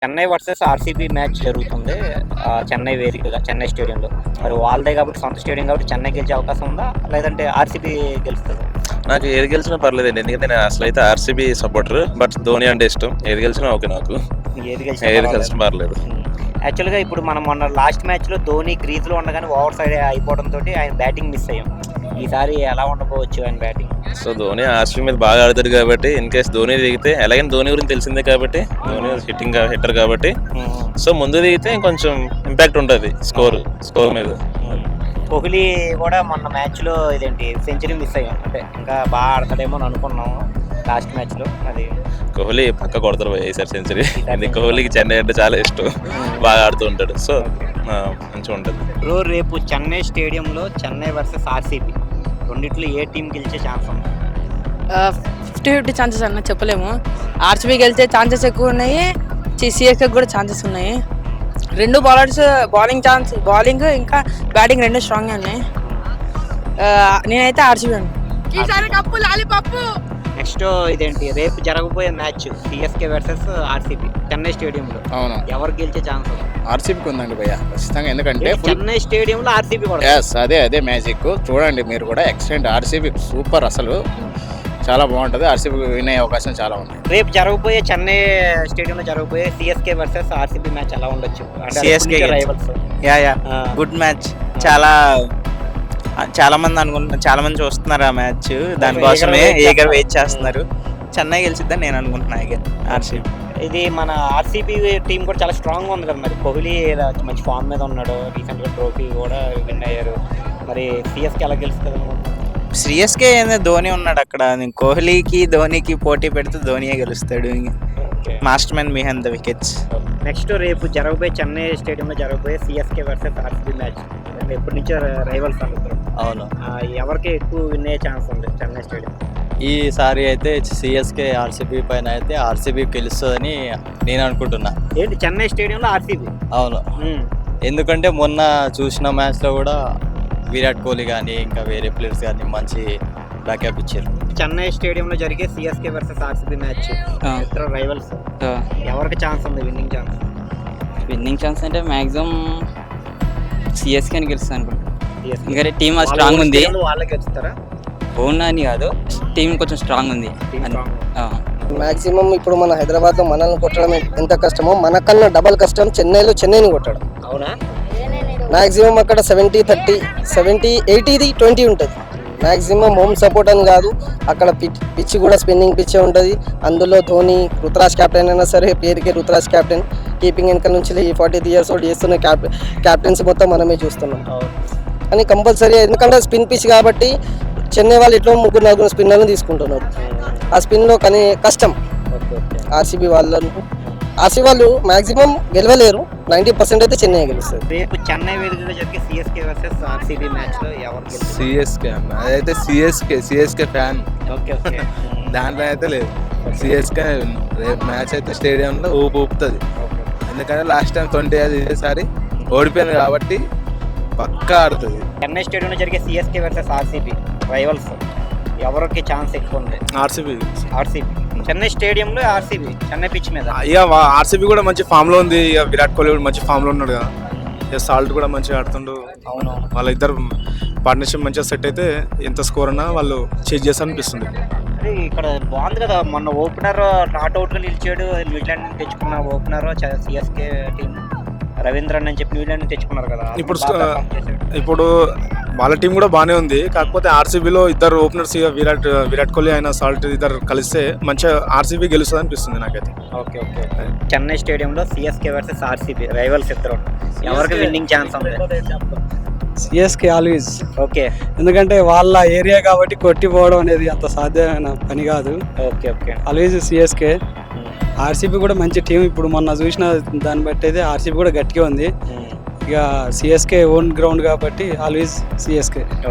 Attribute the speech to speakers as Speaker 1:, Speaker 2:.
Speaker 1: Chennai versus RCB match జరుగుతుంది. చెన్నై వేదికగా చెన్నై స్టేడియంలో. మరి వాళ్ళదే కాబట్టి సొంత స్టేడియం కాబట్టి చెన్నై గెలిచే అవకాశం ఉందా? లేదంటే ఆర్సీబీ గెలుస్తదా?
Speaker 2: నాకు ఏది గెలిచినా పర్లేదండి. ఎందుకంటే నేను అసలు అయితే ఆర్సీబీ సపోర్టర్. బట్ ధోని అంటే ఇష్టం. ఏది గెలిచినా ఓకే నాకు.
Speaker 1: ఏది
Speaker 2: ఏది
Speaker 1: గెలిచినా
Speaker 2: గెలిచినా పర్లేదు.
Speaker 1: యాక్చువల్గా ఇప్పుడు మనం మొన్న లాస్ట్ మ్యాచ్లో ధోని క్రీజ్లో ఉండగానే ఓవర్ సైడ్ అయిపోవడంతో ఆయన బ్యాటింగ్ మిస్ అయ్యాం. ఈసారి ఎలా ఉండకపోవచ్చు ఆయన బ్యాటింగ్?
Speaker 2: సో ధోని ఆర్సీబీ మీద బాగా ఆడుతాడు కాబట్టి ఇన్ కేస్ ధోని దిగితే ఎలాగైనా ధోని గురించి తెలిసిందే కాబట్టి ధోని హిట్టర్ కాబట్టి సో ముందు దిగితే కొంచెం ఇంపాక్ట్ ఉంటుంది స్కోర్ మీద.
Speaker 1: కోహ్లీ కూడా మొన్న మ్యాచ్లో ఇదేంటి సెంచరీ మిస్ అయ్యాం. అంటే ఇంకా బాగా ఆడతాడేమో అని అనుకున్నాము లాస్ట్ మ్యాచ్లో. అది
Speaker 2: కోహ్లీ పక్క కొడతారు ఈసారి సెంచరీ. కోహ్లీకి చెన్నై అంటే చాలా ఇష్టం, బాగా ఆడుతూ ఉంటాడు. సో మంచిగా ఉంటుంది.
Speaker 1: రేపు చెన్నై స్టేడియంలో చెన్నై వర్సెస్ ఆర్సీబీ రెండిట్లో ఏ టీం గెలిచే ఛాన్స్ ఉంది?
Speaker 3: 50-50 ఛాన్సెస్ అన్న చెప్పలేము. ఆర్సీబీ గెలిచే ఛాన్సెస్ ఎక్కువ ఉన్నాయి, సిఎస్కే కూడా ఛాన్సెస్ ఉన్నాయి. రెండు బౌలర్స్ బౌలింగ్ ఇంకా బ్యాటింగ్ రెండు స్ట్రాంగ్గా ఉన్నాయి. నేనైతే ఆర్సీబీ అండి.
Speaker 1: నెక్స్ట్ ఇదేంటి రేపు జరగబోయే match CSK versus RCB Chennai స్టేడియంలో.
Speaker 4: అవును,
Speaker 1: ఎవరు గెలిచే ఛాన్స్ ఉంది?
Speaker 4: ఆర్సీబీకి ఉందండి భయ్య ఖచ్చితంగా. ఎందుకంటే
Speaker 1: చెన్నై స్టేడియంలో ఆర్సీబీ కూడా.
Speaker 4: అదే మ్యాజిక్ చూడండి మీరు కూడా. ఎక్సలెంట్, ఆర్సీబీ సూపర్, అసలు చాలా బాగుంటుంది. ఆర్సీబీ విన్ అయ్యే అవకాశం చాలా ఉంది.
Speaker 1: రేపు జరగబోయే చెన్నై స్టేడియంలో జరగబోయే సిఎస్కే వర్సెస్ ఆర్సీబీ మ్యాచ్ ఎలా ఉండొచ్చు?
Speaker 5: CSK
Speaker 1: rivals.
Speaker 5: Good match. చాలా మంది అనుకుంటున్నారు, చాలా మంది చూస్తున్నారు ఆ మ్యాచ్. దానికోసమే ఈగర్ వెయిట్ చేస్తున్నారు. చెన్నై గెలిచిద్దని నేను అనుకుంటున్నా. ఆర్సీబీ
Speaker 1: ఇది మన ఆర్సీబీ టీం కూడా చాలా స్ట్రాంగ్గా ఉంది కదా. మరి కోహ్లీ మంచి ఫామ్ మీద ఉన్నాడు, రీసెంట్గా ట్రోఫీ కూడా విన్ అయ్యారు. మరి సిఎస్కే ఎలా గెలుస్తుంది అనుకుంటున్నాను?
Speaker 5: సిఎస్కే ధోని ఉన్నాడు అక్కడ. కోహ్లీకి ధోనికి పోటీ పెడితే ధోనియే గెలుస్తాడు. Master man behind the wickets.
Speaker 1: Next రేపు జరగబోయే చెన్నై స్టేడియంలో జరగబోయే సిఎస్కే వర్సెస్ ఆర్సీబీ మ్యాచ్ ఎప్పటి నుంచో రైవల్స్ అనుకుంటారు.
Speaker 5: అవును,
Speaker 1: ఎవరికి ఎక్కువ విన్ అయ్యే ఛాన్స్ ఉంది చెన్నై స్టేడియం?
Speaker 6: ఈసారి అయితే సిఎస్కే ఆర్సీబీ పైన అయితే ఆర్సీబీ గెలుస్తుందని నేను అనుకుంటున్నా.
Speaker 1: ఏంటి చెన్నై స్టేడియంలో ఆర్సీబీ?
Speaker 6: అవును, ఎందుకంటే మొన్న చూసిన మ్యాచ్లో కూడా విరాట్ కోహ్లీ కానీ ఇంకా వేరే ప్లేయర్స్ కానీ మంచి బ్యాకప్ ఇచ్చారు.
Speaker 1: చెన్నై స్టేడియంలో జరిగే సిఎస్కే వర్సెస్ ఆర్సీబీ మ్యాచ్ ఇద్దరు రైవల్స్, ఎవరికి ఛాన్స్ ఉంది విన్నింగ్ ఛాన్స్?
Speaker 7: విన్నింగ్ ఛాన్స్ అంటే మ్యాక్సిమం సిఎస్కే అని గెలుస్తుంది అనుకుంటా. ఎందుకంటే టీమ్ స్ట్రాంగ్ ఉంది.
Speaker 1: వాళ్ళే గెలుస్తారా?
Speaker 7: ఓన్ అని కాదు, టీం కొంచెం స్ట్రాంగ్ ఉంది.
Speaker 8: మాక్సిమం ఇప్పుడు మన హైదరాబాద్లో మనల్ని కొట్టడం ఎంత కష్టమో మనకన్నా డబల్ కష్టం చెన్నైని కొట్టడం.
Speaker 1: అవునా?
Speaker 8: మాక్సిమం అక్కడ 70-30, 70-80-20 ఉంటుంది. మాక్సిమం హోమ్ సపోర్ట్ అని కాదు, అక్కడ పిచ్ కూడా స్పిన్నింగ్ పిచ్చే ఉంటుంది. అందులో ధోని రుతురాజ్ కెప్టెన్ అయినా సరే, పేరుకి రుతురాజ్ కెప్టెన్, కీపింగ్ వెనక నుంచి 40 years old చేస్తున్న క్యాప్టెన్స్ మొత్తం మనమే చూస్తున్నాం. కానీ కంపల్సరీ ఎందుకంటే స్పిన్ పిచ్ కాబట్టి చెన్నై వాళ్ళు ఇట్లా 3-4 స్పిన్నర్లను తీసుకుంటున్నారు. ఆ స్పిన్లో కానీ కష్టం. ఆర్సీబీ వాళ్ళు మ్యాక్సిమం గెలవలేరు. 90% అయితే చెన్నై గెలుస్తుంది.
Speaker 1: రేపు చెన్నై వేదికగా జరిగే సిఎస్కే వర్సెస్ ఆర్సీబీ మ్యాచ్లో ఎవరు గెలుస్తారు?
Speaker 9: సిఎస్కే అన్న, అదైతే సిఎస్కే ఫ్యాన్.
Speaker 1: ఓకే.
Speaker 9: దాంట్లో అయితే లేదు. సిఎస్కే రేపు మ్యాచ్ అయితే స్టేడియంలో ఊపుతుంది. ఎందుకంటే లాస్ట్ టైం 20 ఇదేసారి ఓడిపోయింది కాబట్టి పక్కా ఆడుతుంది.
Speaker 1: చెన్నై స్టేడియంలో జరిగే సిఎస్కే వర్సెస్ ఆర్సీబీ రైవల్స్, ఎవరికి ఛాన్స్ ఎక్కువ ఉంది?
Speaker 9: ఆర్సీబీ.
Speaker 1: చెన్నై స్టేడియంలో ఆర్సీబీ చెన్నై పిచ్ మీద.
Speaker 9: ఇక ఆర్సీబీ కూడా మంచి ఫామ్ లో ఉంది. ఇక విరాట్ కోహ్లీ కూడా మంచి ఫామ్ లో ఉన్నాడు కదా. ఇక సాల్ట్ కూడా మంచిగా ఆడుతుండు.
Speaker 1: అవును,
Speaker 9: వాళ్ళ ఇద్దరు పార్ట్నర్షిప్ మంచిగా సెట్ అయితే ఎంత స్కోర్ అన్నా వాళ్ళు చేంజ్ చేస్తారనిపిస్తుంది.
Speaker 1: అదే ఇక్కడ బాగుంది కదా. మొన్న ఓపెనర్ నాట్అవుట్గా నిలిచాడు. న్యూజిలాండ్ నుంచి తెచ్చుకున్న ఓపెనర్ సిఎస్కే టీం రవీంద్రన్ అని చెప్పి న్యూజిలాండ్ నుంచి తెచ్చుకున్నారు కదా.
Speaker 9: ఇప్పుడు వాళ్ళ టీం కూడా బాగానే ఉంది. కాకపోతే ఆర్సీబీలో ఇద్దరు ఓపెనర్స్ విరాట్ కోహ్లీ అయినా సాల్ట్ ఇద్దరు కలిస్తే మంచిగా ఆర్సీబీ గెలుస్తుంది అనిపిస్తుంది నాకైతే.
Speaker 1: ఓకే. చెన్నై స్టేడియంలో సిఎస్కే వర్సెస్ ఆర్సీబీ రైవల్స్ ఇద్దరు, ఎవరికి విన్నింగ్ ఛాన్స్ ఉంది?
Speaker 10: CSK always.
Speaker 1: ఓకే,
Speaker 10: ఎందుకంటే వాళ్ళ ఏరియా కాబట్టి కొట్టిపోవడం అనేది అంత సాధ్యమైన పని కాదు.
Speaker 1: ఓకే.
Speaker 10: Always CSK. ఆర్సీబీ కూడా మంచి టీం. ఇప్పుడు మొన్న చూసిన దాన్ని బట్టి అయితే ఆర్సీబీ కూడా గట్టిగా ఉంది. ఇక సిఎస్కే ఓన్ గ్రౌండ్ కాబట్టి ఆల్వేస్ సిఎస్కే.